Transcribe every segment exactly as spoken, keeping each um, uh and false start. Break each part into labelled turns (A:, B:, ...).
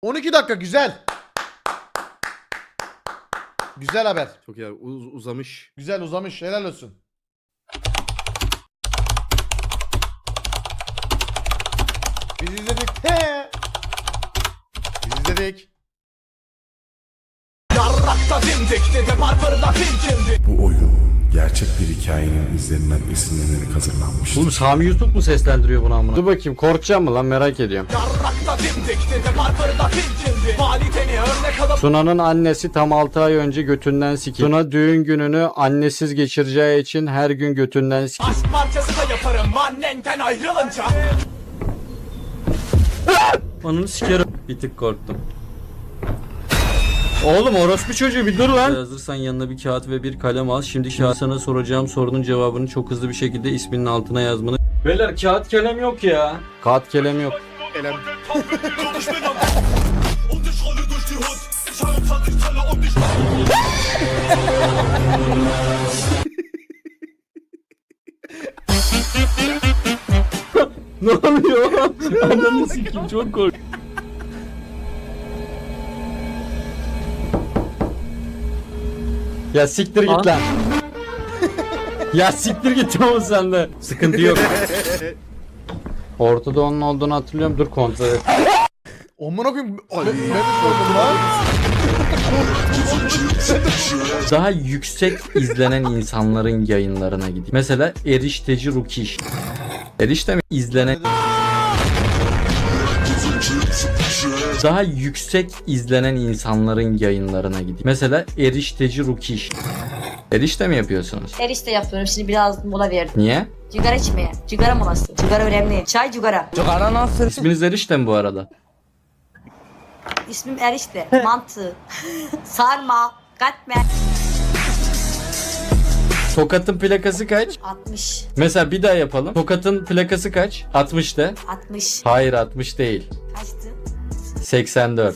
A: on iki dakika güzel. Güzel haber.
B: Çok iyi abi. Uz- uzamış.
A: Güzel uzamış. Helal olsun. Biz izledik. He. Biz izledik.
C: Bu oyun gerçek bir hikayenin izlerinden esinlenerek hazırlanmıştır.
D: Oğlum Sami Yusuf mu seslendiriyor bunu amına? Dur bakayım, korkacağım mı lan, merak ediyorum. Suna'nın annesi tam altı ay önce götünden sikildi. Suna düğün gününü annesiz geçireceği için her gün götünden sikildi.
E: Aşk parçası da yaparım annenden ayrılınca.
D: Ananı sikerim. Bir tık korktum. Oğlum orospu çocuğu bir dur lan. Hazırsan yanına bir kağıt ve bir kalem al. Şimdi şimdi sana soracağım sorunun cevabını çok hızlı bir şekilde isminin altına yazmanı. Beyler kağıt kalem yok ya. Kağıt kalem yok.
A: Elem.
D: Ne oluyor? Ananı sikeyim, çok kork. Ya siktir git lan. Ya siktir git oğlum sen de. Sıkıntı yok. Ortada onun olduğunu hatırlıyorum. Dur kontrol et.
A: Amına koyayım. Ben ben de sordum lan.
D: Daha yüksek izlenen insanların yayınlarına gideyim. Mesela Erişteci Rukiş. Erişte mi izlenen... Daha yüksek izlenen insanların yayınlarına gideyim. Mesela Erişteci Rukiş. Erişte mi yapıyorsunuz?
F: Erişte yapıyorum. Şimdi biraz mola verdim.
D: Niye?
F: Cigara içmeye. Cigara molası. Cigara önemli. Çay cigara.
D: İsminiz Erişte mi bu arada?
F: İsmim Erişte. Mantı. Sarma. Katmer.
D: Tokat'ın plakası kaç?
F: altmış.
D: Mesela bir daha yapalım. Tokat'ın plakası kaç? altmış de.
F: altmış.
D: Hayır altmış değil.
F: Kaçtı?
D: seksen dört.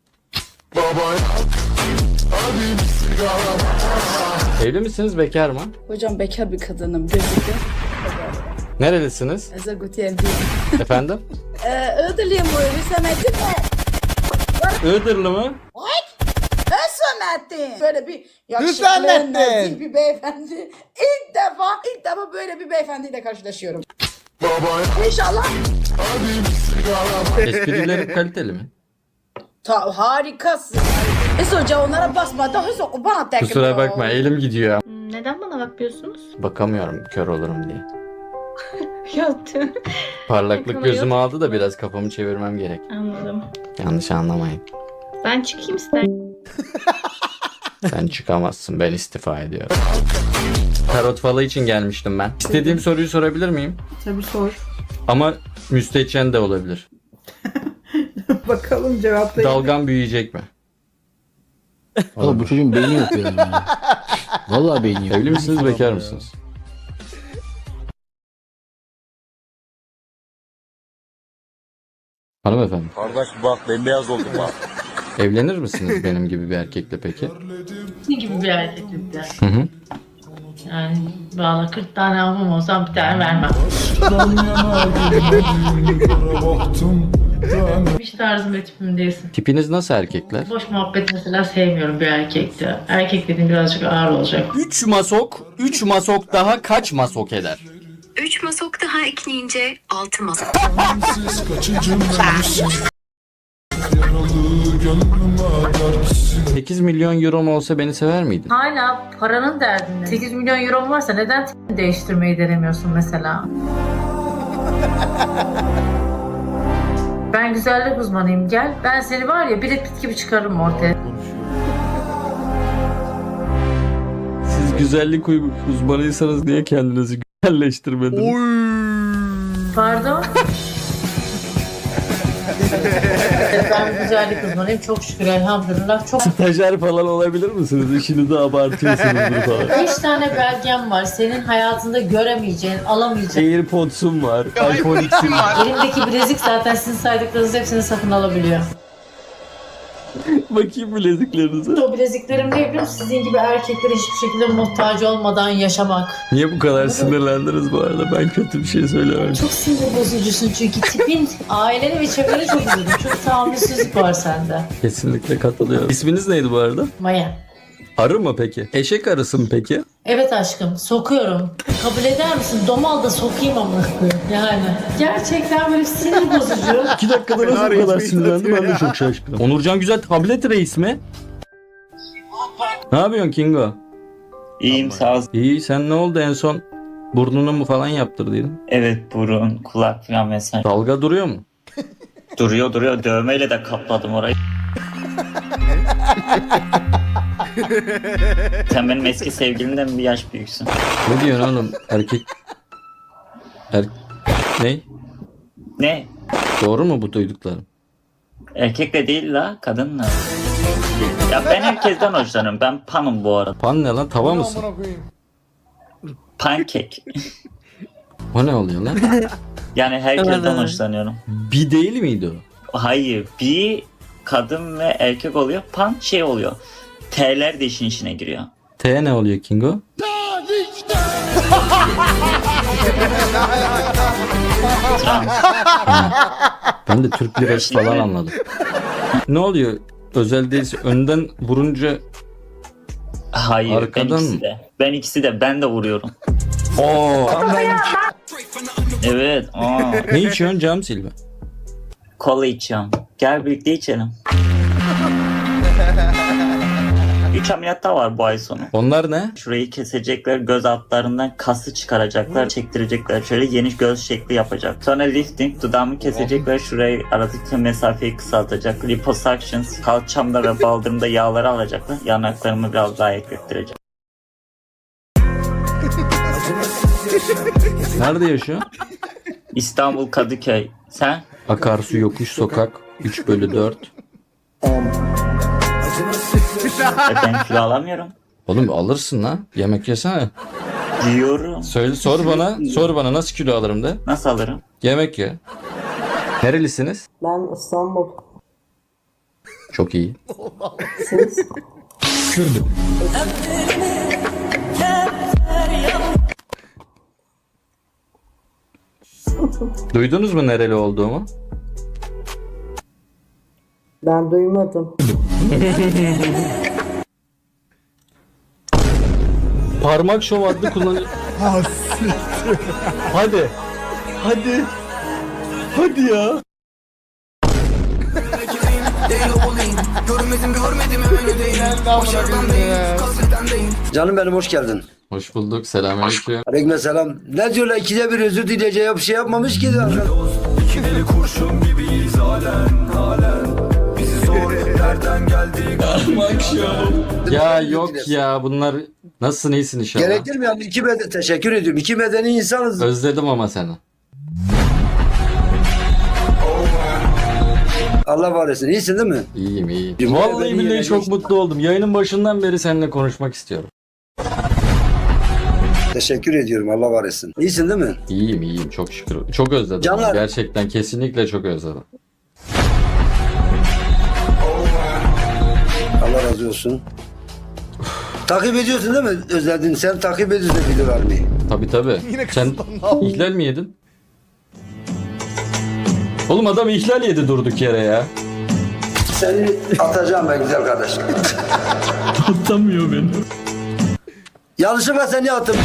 D: Evli misiniz, bekar mı?
G: Hocam bekar bir kadınım gözüküyor.
D: Nerelisiniz?
G: Ezagutiye
D: Efendim?
G: Ee, Iğdırlıyım bu Hüsamettin mi?
D: Iğdırlı mı?
G: Hüsamettin. Böyle bir yakışıklı,
A: Hüsamettin.
G: nazik bir beyefendi. İlk defa, ilk defa böyle bir beyefendiyle karşılaşıyorum. İnşallah.
D: Esprilerim kaliteli mi?
G: Ta, harikasın. Es hoca onlara basma. Daha sonra bana tekrar.
D: Kusura bakma, elim gidiyor.
H: Neden bana bakmıyorsunuz?
D: Bakamıyorum, kör olurum diye.
H: Yaptım.
D: Parlaklık
H: Yakını
D: gözümü
H: yok.
D: aldı da biraz kafamı çevirmem gerek.
H: Anladım.
D: Yanlış anlamayın.
H: Ben çıkayım ister.
D: Sen çıkamazsın, ben istifa ediyorum. Tarot falı için gelmiştim ben. İstediğim soruyu sorabilir miyim?
G: Tabii sor.
D: Ama müstehcen de olabilir.
G: Bakalım cevaplayın.
D: Dalgam büyüyecek mi?
I: Oğlum bu çocuğun beyni yok ya. Vallahi beyni yok.
D: Evli misiniz, bekar mısınız? Hanımefendi.
J: Kardeş bak bembeyaz oldum bak.
D: Evlenir misiniz benim gibi bir erkekle peki?
K: Ne gibi bir erkeklikte?
D: Hı hı.
K: Yani valla kırk tane almam olsam bir tane vermem. Hiç tarzım ve tipim değilsin.
D: Tipiniz nasıl erkekler?
K: Boş muhabbet mesela sevmiyorum bir erkekte. Erkek dediğim birazcık ağır olacak.
D: üç masok, üç masok daha kaç masok eder?
L: üç masok daha ekleyince altı masok.
D: sekiz milyon euro mu olsa beni sever miydin?
K: Hala paranın derdinde. sekiz milyon euro varsa neden tipini değiştirmeyi denemiyorsun mesela? Ben güzellik uzmanıyım, gel. Ben seni var ya Brad Pitt gibi çıkarırım ortaya.
D: Siz güzellik uzmanıysanız niye kendinizi güzelleştirmediniz?
K: Pardon? Ben güzellik uzmanıyım çok şükür elhamdülillah. Çok
D: Stajyer falan olabilir misiniz? İşinizi abartıyorsunuzdur falan.
K: beş tane belgem var. Senin hayatında göremeyeceğin, alamayacağın.
D: Airpods'um var. iPhone X'im var.
K: Elimdeki bilezik zaten sizin saydıklarınızın hepsini satın alabiliyor.
D: Bakayım bileziklerinize.
K: O bileziklerim ne biliyor musun? Sizin gibi erkeklere hiçbir şekilde muhtaç olmadan yaşamak.
D: Niye bu kadar sinirlendiniz bu arada? Ben kötü bir şey söylemedim.
K: Çok sinir bozucusun çünkü tipin, aileni ve çevreni çok üzüldüm. Çok tahammülsüzlük var sende.
D: Kesinlikle katılıyorum. İsminiz neydi bu arada?
K: Maya.
D: Arı mı peki? Eşek arısı mı peki?
K: Evet aşkım, sokuyorum. Kabul eder misin? Domal da sokayım ama. Yani. Gerçekten böyle sinir bozucu.
D: İki dakikada nasıl bu kadar sinirlendi ben de çok şaşkınım. Onurcan Güzel tablet reis mi? Ne yapıyorsun Kingo?
J: İyiyim sağ ol.
D: İyi, sen ne oldu en son? Burnunu mu falan yaptırdıydın?
J: Evet burun, kulak falan vesaire.
D: Dalga duruyor mu?
J: Duruyor duruyor. Dövmeyle de kapladım orayı. Sen benim eski sevgilimden bir yaş büyüksün.
D: Ne diyorsun oğlum? Erkek... Er... Ne?
J: Ne?
D: Doğru mu bu duyduklarım?
J: Erkekle değil la, kadınla. Ya ben herkesten hoşlanıyorum. Ben panım bu arada.
D: Pan ne lan? Tava mısın?
A: Amına koyayım.
J: Pankek.
D: O ne oluyor lan?
J: Yani herkesten hoşlanıyorum.
D: Bir değil miydi o?
J: Hayır, bir kadın ve erkek oluyor. Pan şey oluyor. T'ler de işin içine giriyor.
D: T ne oluyor Kingo?
J: Trans.
D: Ben de Türk lirası falan anladım. Ne oluyor? Özel değilse önden vurunca...
J: Hayır,
D: Arkadan
J: ben ikisi
D: mı?
J: de. Ben ikisi de. Ben de vuruyorum.
D: Oo.
J: Evet. Aa.
D: Ne içiyorsun cam silme?
J: Kola içiyorum. Gel birlikte içelim. Üç ameliyat daha var bu ay sonu.
D: Onlar ne?
J: Şurayı kesecekler, göz altlarından kası çıkaracaklar, çektirecekler. Şöyle yeni göz şekli yapacak. Sonra lifting, dudağımı kesecekler, şurayı aradaki mesafeyi kısaltacak. Liposuctions, kalçamda ve baldırımda yağları alacaklar. Yanaklarımı biraz daha eklettirecek.
D: Nerede yaşıyor?
J: İstanbul Kadıköy. Sen?
D: Akarsu yokuş sokak üç bölü dört.
J: E ben kilo alamıyorum.
D: Oğlum alırsın lan. Yemek yesene.
J: Diyorum.
D: Söyle, sor bana. Sor bana nasıl kilo alırım de.
J: Nasıl alırım?
D: Yemek ye. Nerelisiniz?
G: Ben İstanbul.
D: Çok iyi.
G: Siz?
D: Kürdüm. Duydunuz mu nereli olduğumu?
G: Ben duymadım.
D: Parmak şov adlı kullanıcı... Hadi. Hadi. Hadi ya.
I: Canım benim hoş geldin.
D: Hoş bulduk. Selamünaleyküm.
I: Aleykümselam. Ne diyorlar ikide bir özür dileyeceği bir şey yapmamış ki zaten.
D: Ya yok ya bunlar nasılsın iyisin inşallah.
I: Gerekir mi yani? İki beden, teşekkür ediyorum. İki medeni insanız.
D: Özledim ama seni.
I: Allah var etsin. İyisin değil mi?
D: İyiyim iyiyim.
I: Cuma
D: Vallahi
I: beni
D: billahi
I: yere
D: çok
I: geçti.
D: mutlu oldum. Yayının başından beri seninle konuşmak istiyorum.
I: Teşekkür ediyorum. Allah var etsin. İyisin değil mi?
D: İyiyim iyiyim çok şükür. Çok özledim.
I: Canlar.
D: Gerçekten kesinlikle çok özledim.
I: Allah razı olsun. takip ediyorsun değil mi Özledin? Sen takip ediyorsun videolarını.
D: Tabi tabi.
A: Yine
D: Sen
A: kısıtlandı.
D: ihlal mi yedin? Oğlum adam ihlal yedi durduk yere ya.
I: Seni atacağım ben güzel kardeşim.
D: Atamıyor beni.
I: Yanlışlıkla seni attım.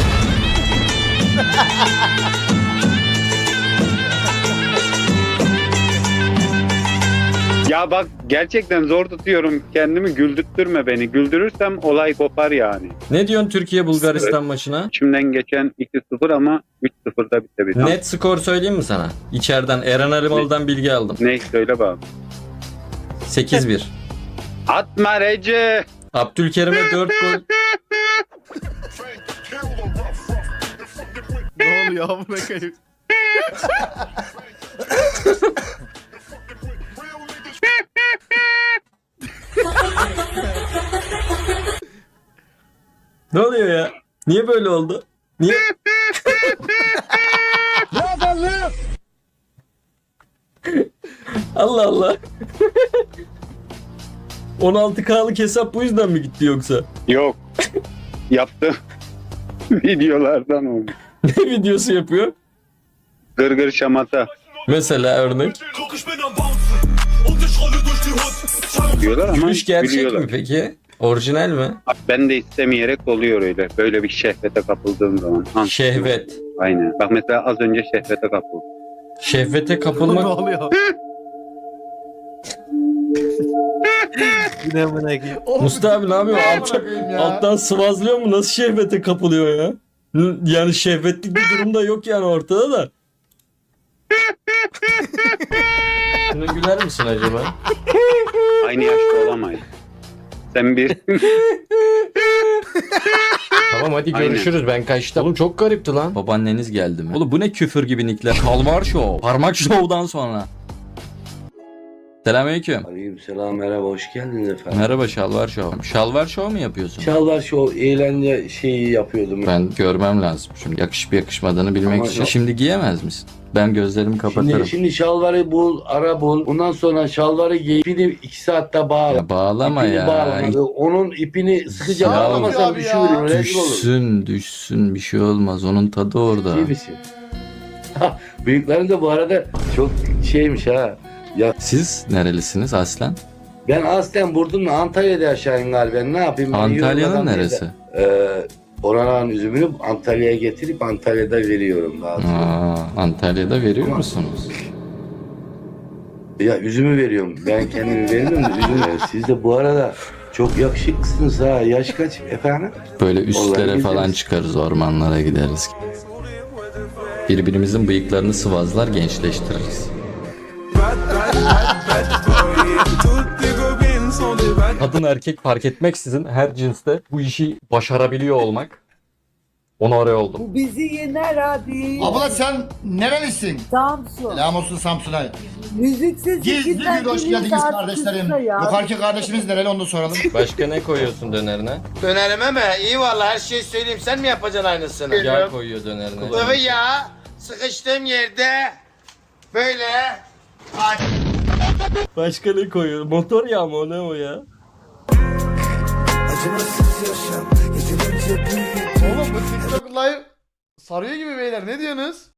B: Ya bak gerçekten zor tutuyorum kendimi, güldürtme beni. Güldürürsem olay kopar yani.
D: Ne diyorsun Türkiye Bulgaristan maçına?
B: İçimden geçen iki sıfır ama üç sıfırda bitebilir.
D: Net skor söyleyeyim mi sana? İçeriden Eren Arımalı'dan bilgi aldım.
B: Ne söyle bakalım.
D: sekiz bir.
B: Atma Recep.
D: Abdülkerim'e dört gol.
A: Ne oluyor amına koyayım?
D: Ne oluyor ya? Niye böyle oldu? Niye? Allah Allah. on altı K'lık hesap bu yüzden mi gitti yoksa?
B: Yok. Yaptığım videolardan oldu.
D: Ne videosu yapıyor?
B: Gırgır şamata
D: Mesela örnek.
B: diyorlar ama
D: Gülüş gerçek
B: gülüyorlar.
D: mi peki? Orijinal mi?
B: Ben de istemeyerek oluyor öyle. Böyle bir şehvete kapıldığım zaman. Ha,
D: Şehvet.
B: Aynen. Bak mesela az önce şehvete kapıldım.
D: Şehvete
A: Ne
D: kapılmak.
A: oluyor?
D: Mustafa abi ne yapıyor?
A: Ne
D: Alttan,
A: bırakayım ya?
D: alttan sıvazlıyor mu? Nasıl şehvete kapılıyor ya? N- Yani şehvetlik bir durum da yok yani ortada da. Şuna güler misin acaba?
B: Aynı yaşta olamayız. Sen bir...
D: Tamam hadi
B: Aynen.
D: görüşürüz ben kaçtım. Oğlum çok garipti lan. Babaanneniz geldi mi? Oğlum bu ne küfür gibi nickler? Kalmar Show. Parmak Show'dan sonra. Selamünaleyküm.
I: Aleykümselam, merhaba, hoş geldiniz efendim.
D: Merhaba Şalvar Show. Şalvar Show mu yapıyorsun?
I: Çağlar şu eğlence şeyi yapıyordum.
D: Ben görmem lazım şimdi. Yakışıp yakışmadığını bilmek
I: Ama
D: için.
I: yok.
D: Şimdi giyemez misin? Ben gözlerimi kapatırım.
I: Şimdi, şimdi şalvarı bul, ara bul. Ondan sonra şalvarı giy. İpini iki saatte bağla.
D: Ya bağlama
I: İpini
D: ya.
I: bağlama. Onun ipini sıkıca
D: Ya
I: bağlamasan
A: abi
I: düşüveriyor.
A: ya.
I: Rezil olur.
D: Düşsün düşsün bir şey olmaz. Onun tadı orada.
I: İyi misin? Büyüklerin de bu arada çok şeymiş ha. Ya
D: Siz nerelisiniz aslen?
I: ben aslen Burdun'la Antalya'da yaşayayım galiba. Ne yapayım? Ben
D: Antalya'nın
I: yorulmadan
D: neresi?
I: değil de, Ee, oranın üzümünü Antalya'ya getirip Antalya'da veriyorum daha sonra.
D: Aa, Antalya'da veriyor
I: Ama-
D: musunuz?
I: Ya üzümü veriyorum. Ben kendimi vermiyorum da üzümü. Siz de bu arada çok yakışıklısınız ha. Yaş kaç efendim?
D: Böyle üstlere
I: Vallahi
D: falan
I: gideriz.
D: çıkarız, ormanlara gideriz. Birbirimizin bıyıklarını sıvazlar, gençleştiririz. Kadın erkek fark etmeksizin her cinste bu işi başarabiliyor olmak. Onore oldum.
K: Bizi yener abi.
A: Abla sen nerelisin?
K: Samsun.
A: Selam olsun Samsun'a.
K: Müziksiz
A: Gizli bir hoş geldiniz kardeşlerim. Yukarıki kardeşimiz nereli onu da soralım.
D: Başka ne koyuyorsun dönerine?
E: Dönerime mi? İyi valla her şeyi söyleyeyim. Sen mi yapacaksın aynısını?
D: Yağ koyuyor dönerine.
E: Sıvı yağ sıkıştığım yerde böyle
D: Başka ne koyuyor? Motor yağı mı o, ne o ya?
A: Oğlum bu TikTok live sarıyor gibi beyler, ne diyorsunuz?